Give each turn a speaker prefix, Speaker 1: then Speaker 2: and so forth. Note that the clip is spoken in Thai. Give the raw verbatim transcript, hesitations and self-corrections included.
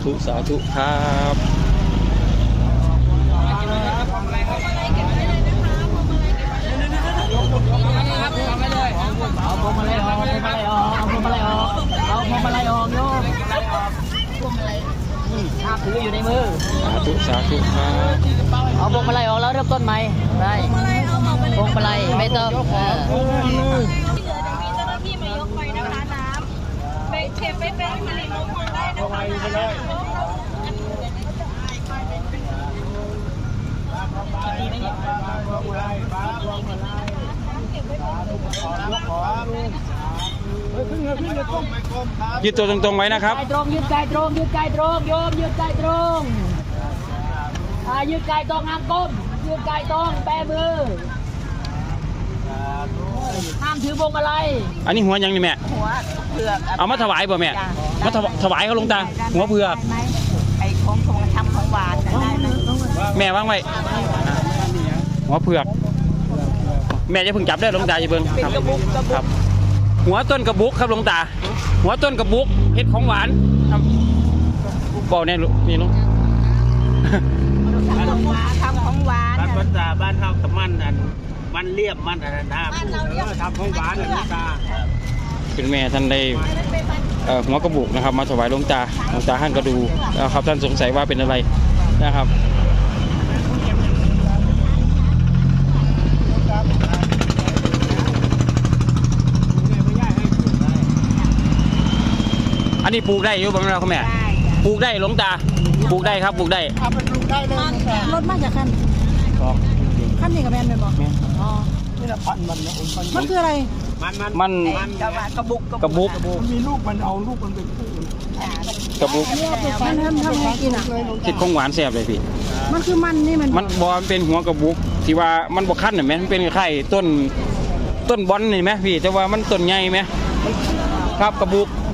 Speaker 1: ธุสาธุครับ
Speaker 2: เอาพวงมาลัยออกพวงมาลัยออกเอาพวงมาลัยออกเอาพวงมาลัยออกโยมพวงมาลัยภาพถืออยู่ในมือ
Speaker 1: สาธุสาธุครับ
Speaker 2: เอาพวงมาลัยออกแล้วเริ่มต้นใหม่ได้พวงมาลัยไม่ต้องเออ
Speaker 3: ที่เหลือจะมีเจ้าหน้าที่มายกไปนะคะน้ำไปเชฟไปเป็นผลิตมุกได้นะคะ
Speaker 1: ยืดตัวตรงๆไว้นะครับ
Speaker 2: กายตรงยืดกายตรงยืดกายตรงโยมยืดกายตรงอ่ายืดกายตรงงามก้มยืดกายตรงแปมือห้ามถือพวงมาลัย
Speaker 1: อันนี้หัวยังนี่แม่
Speaker 2: หัวเผือก
Speaker 1: เอามาถวายป่ะแม่มาถวายเขาลงตาหัวเผือก
Speaker 2: ไอ้ของทงทำของหวานได้ไหม
Speaker 1: แม่วางไว้หัวเผือกแม่จะเพิ่งจับได้ลงตาจะเบิ่งครับครับหัวต้นกระบุกครับลงตาหัวต้นกระบุกเห็ดของหวานครับบอกแน่ลูกนี่ลูก
Speaker 2: ทำของหวาน
Speaker 4: บ้านภาษาบ้านเฮากับมันอันมันเรียบมันอันนั้นนะทำของหวานอันนี้ตา
Speaker 1: คุณแม่ท่านได้หัวกระบุกนะครับมาถวายหลวงตาหลวงตาท่านก็ดูนะครับท่านสงสัยว่าเป็นอะไรนะครับอันนี้ปลูกได้อยู่บ้างเราคุณแม่ปลูกได้หลวงตาปลูกได้ครับปลูกได้
Speaker 2: เอาไปปลูกได้เลยรถมาจากคันคันนี้กับแมนเป็นบ่อ๋อนี่ละพันมันมันคืออะไร
Speaker 4: มัน
Speaker 1: มัน
Speaker 4: มัน
Speaker 2: กระบุก
Speaker 1: กระบุก
Speaker 4: มันมีลูกมันเอาลูกมันเป็นคู่
Speaker 1: กระบุก
Speaker 2: มันทำทำไงกินอ่ะ
Speaker 1: คิดของหวานแซ่บเลยพี่
Speaker 2: มันคือมันนี่มัน
Speaker 1: มันบอลเป็นหัวกระบุกที่ว่ามันบกขั้นเห็นไหมมันเป็นไข่ต้นต้นบอลเห็นไหมพี่แต่ว่ามันต้นใหญ่ไหมครับกระบุก